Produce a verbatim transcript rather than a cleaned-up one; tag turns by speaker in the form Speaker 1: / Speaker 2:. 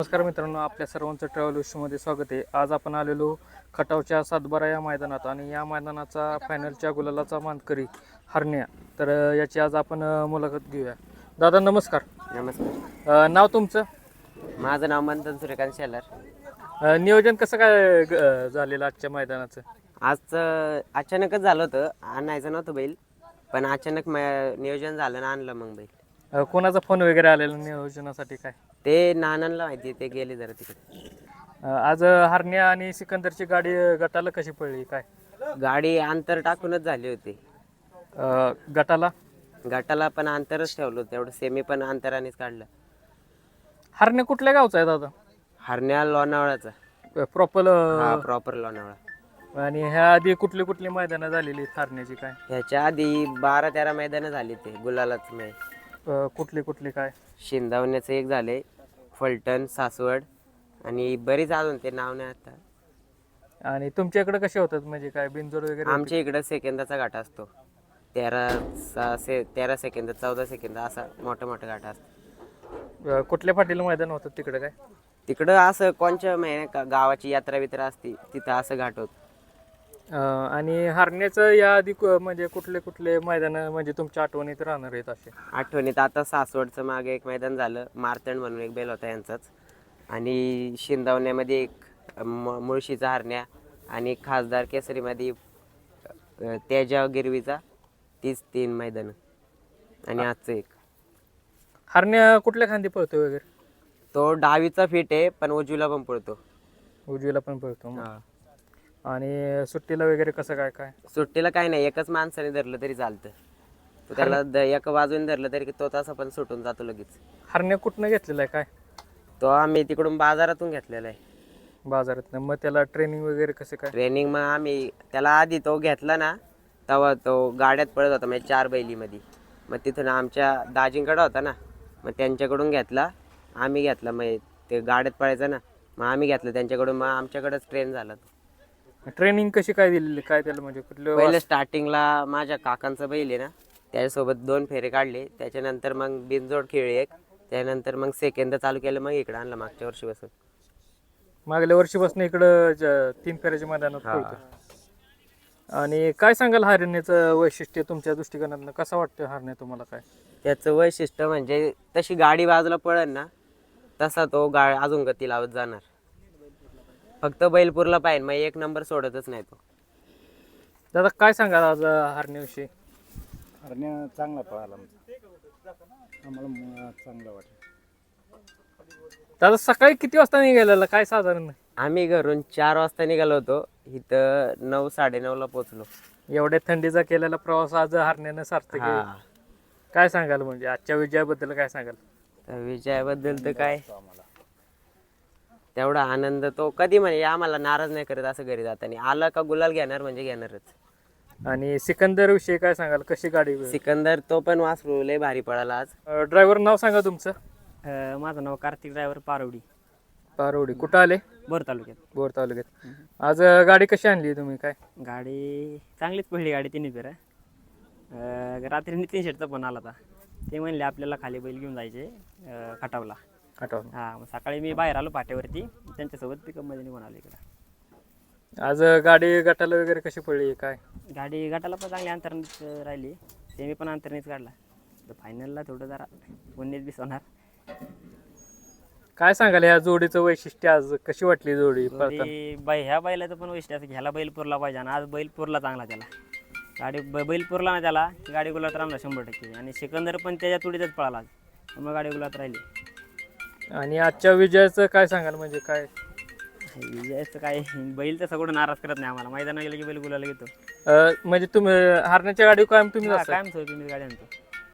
Speaker 1: नमस्कार मित्रांनो, आपल्या सर्वांचं ट्रॅव्हल विश्वमध्ये स्वागत आहे. आज आपण आलेलो खटावच्या सातबारा या मैदानात आणि या मैदानाचा फायनलच्या गुलालाचा मानकरी हरण्या. तर अ, याची आज आपण अ, मुलाखत घेऊया. दादा नमस्कार.
Speaker 2: नमस्कार.
Speaker 1: अ, नाव तुमचं?
Speaker 2: माझं नाव मंथन सूर्यकांत शेलार.
Speaker 1: अ, नियोजन कसं काय ग- अ, झालेलं आजच्या मैदानाचं?
Speaker 2: आजचं अचानकच झालं होतं, आणायचं नव्हतं बैल, पण अचानक म- नियोजन झालं ना आणलं मग बैल.
Speaker 1: अ, कोणाचा फोन वगैरे आलेला नियोजनासाठी काय?
Speaker 2: ते नानांना माहिती, ते गेले जरा तिकडे.
Speaker 1: अ, आज अ, हरण्या आणि सिकंदरची गाडी अ, गटाला कशी पडली काय?
Speaker 2: गाडी अंतर टाकूनच झाली होती.
Speaker 1: अ, गटाला
Speaker 2: गटाला पण अंतरच ठेवलं होतं, एवढं सेमी पण अंतरानेच काढलं.
Speaker 1: हरण्या कुठल्या गावचा आहे दादा?
Speaker 2: हरण्या लोणावळाचा.
Speaker 1: प्रॉपर
Speaker 2: हा, प्रॉपर लोणावळा.
Speaker 1: आणि ह्या आधी कुठली कुठली मैदानं झालेली हरण्याची काय?
Speaker 2: ह्याच्या आधी बारा तेरा मैदानं झाली, ते गुलालाच नाही.
Speaker 1: अ, कुठली कुठली काय?
Speaker 2: शिंदावण्याचं एक झाले, फलटण, सासवड आणि बरीच अजून, ते नाव नाही आता.
Speaker 1: आणि तुमच्या इकडे कसे होतात म्हणजे काय बिनजोड वगैरे होते?
Speaker 2: आमच्या इकडं सेकंदाचा घाटा असतो. तेरा सहा से तेरा सेकंद चौदा सेकंद असा मोठा मोठा घाटा असतो.
Speaker 1: अ, कुठल्या फाटीला मैदान होतात तिकडे काय?
Speaker 2: तिकडं असं कोणच्या महिन्या का गावाची यात्रा बित्रा असते तिथं असं घाट होत.
Speaker 1: अ, आणि हरण्याचं या आधी कु- म्हणजे कुठले कुठले मैदान म्हणजे तुमच्या आठवणीत राहणार आहेत असे?
Speaker 2: आठवणीत आता सासवडचं मागे एक मैदान झालं, मारतंड म्हणून एक बैल होता यांचाच. आणि शिंदावण्यामध्ये एक म- मुळशीचा हरण्या आणि खासदार केसरीमध्ये अ, तेजा गिरवीचा. तीच तीन मैदानं आणि आजचं एक.
Speaker 1: हरण्या कुठल्या खांदी पळतो वगैरे?
Speaker 2: तो डावीचा फिट आहे, पण उजवीला पण पळतो.
Speaker 1: उजवीला पण पळतो मग. आणि सुट्टीला वगैरे कसं काय काय?
Speaker 2: सुट्टीला काय नाही, एकच माणसाने धरलं तरी चालतं. तो त्याला द- एका बाजूने धरलं तरी तो तसा पण सुटून जातो लगेच.
Speaker 1: हरण्या कुठनं घेतलेला आहे काय?
Speaker 2: तो आम्ही तिकडून बाजारातून घेतलेला आहे.
Speaker 1: बाजारातनं. मग त्याला ट्रेनिंग वगैरे कसं काय?
Speaker 2: ट्रेनिंग मग आम्ही त्याला आधी तो घेतला ना, तेव्हा तो गाड्यात पळत होता म्हणजे चार बैलीमध्ये. मग तिथून आमच्या दाजींकडं होता ना, मग त्यांच्याकडून घेतला. आम्ही घेतला, मग ते गाड्यात पळायचं ना, मग आम्ही घेतलं त्यांच्याकडून, मग आमच्याकडेच ट्रेन झाला तो.
Speaker 1: ट्रेनिंग कशी काय दिलेली काय त्याला म्हणजे कुठलं
Speaker 2: पहिले स्टार्टिंगला माझ्या काकांचं बैल आहे ना, त्याच्यासोबत दोन फेरे काढले. त्याच्यानंतर मग बिनजोड खेळली एक. त्यानंतर मग सेकंद चालू केलं, मग इकडं आणलं मागच्या वर्षी बसून.
Speaker 1: मागल्या वर्षीपासून इकडं ज- तीन फेऱ्याच्या मैदानात पळतो. आणि काय सांगाल हरण्याचं वैशिष्ट्य तुमच्या दृष्टिकोनातनं कसं वाटतं हरण्या तुम्हाला काय?
Speaker 2: त्याचं वैशिष्ट्य म्हणजे तशी गाडी बाजूला पळेल ना, तसा तो गा अजून गती लावत जाणार. फक्त बैलपूरला पाहिजे, मग एक नंबर सोडतच नाही तो.
Speaker 1: दादा काय सांगाल आज हरण्याविषयी?
Speaker 3: हरण्या चांगला पळाला आम्हाला म- चांगलं वाटलं.
Speaker 1: दादा सकाळी किती वाजता निघालेला काय साधारण?
Speaker 2: आम्ही घरून चार वाजता निघालो होतो, इथं नऊ साडेनऊला पोचलो.
Speaker 1: एवढ्या थंडीचा केलेला प्रवास आज हरण्यानं सार्थक केला.
Speaker 2: हा,
Speaker 1: काय सांगाल म्हणजे आजच्या विजयाबद्दल काय सांगाल?
Speaker 2: तर विजयाबद्दल तर काय, तेवढा आनंद तो कधी म्हणे आम्हाला नाराज नाही करत असं घरी जाताना. आला का गुलाल घेणार म्हणजे घेणारच.
Speaker 1: आणि सिकंदर विषयी काय सांगाल कशी गाडी?
Speaker 2: सिकंदर तो पण वासरू लय भारी पळाला आज.
Speaker 1: ड्रायव्हर नाव सांगा तुमचं?
Speaker 4: अ, माझं नाव कार्तिक ड्रायव्हर पारवडी,
Speaker 1: पारोडी. कुठं आले?
Speaker 4: बोर तालुक्यात.
Speaker 1: बोर तालुक्यात. आज अं, गाडी कशी आणली तुम्ही काय?
Speaker 4: गाडी चांगलीच पहिली गाडी तिन्ही फेऱ्या. अ, रात्री नितीन शेटचा फोन आला होता. ते म्हणले आपल्याला खाली बैल घेऊन जायचे अ, खटावला.
Speaker 1: आठवण.
Speaker 4: हां, मग सकाळी मी बाहेर आलो पाट्यावरती, त्यांच्यासोबत पिकअपमध्ये निघून आलो इकडं.
Speaker 1: आज अं, गाडी गटाला वगैरे कशी पडली काय?
Speaker 4: गाडी गटाला पण चांगली अंतरणीच राहिली, सेमी पण अंतरणीच काढला. तर फायनलला थोडं जरा उन्नीस बीस होणार.
Speaker 1: काय सांगाल या जोडीचं वैशिष्ट्य आज कशी वाटली जोडी पळताना?
Speaker 4: तरी बाई ह्या बैलाचं पण वैशिष्ट्य असं घ्यायला बैल पुरला पाहिजे, आणि आज बैल पुरला चांगला त्याला. गाडी ब बैल पुरला ना त्याला, की गाडी गुलात राहणार शंभर टक्के. आणि सिकंदर पण त्याच्या तुडीतच पळाला आज, त्यामुळे गाडी गुलात राहिली.
Speaker 1: आणि आजच्या विजयाचं काय सांगाल म्हणजे काय?
Speaker 4: विजयाचं काय, बैल तसं कुठं नाराज करत नाही आम्हाला. मैदानात गेलं की बैल गुलाला घेतो.
Speaker 1: अं, म्हणजे तुम्ही हरण्याच्या गाडी कायम तुम्ही
Speaker 4: हा,
Speaker 1: असता?
Speaker 4: कायम सोय तुम्ही गाडी आणतो.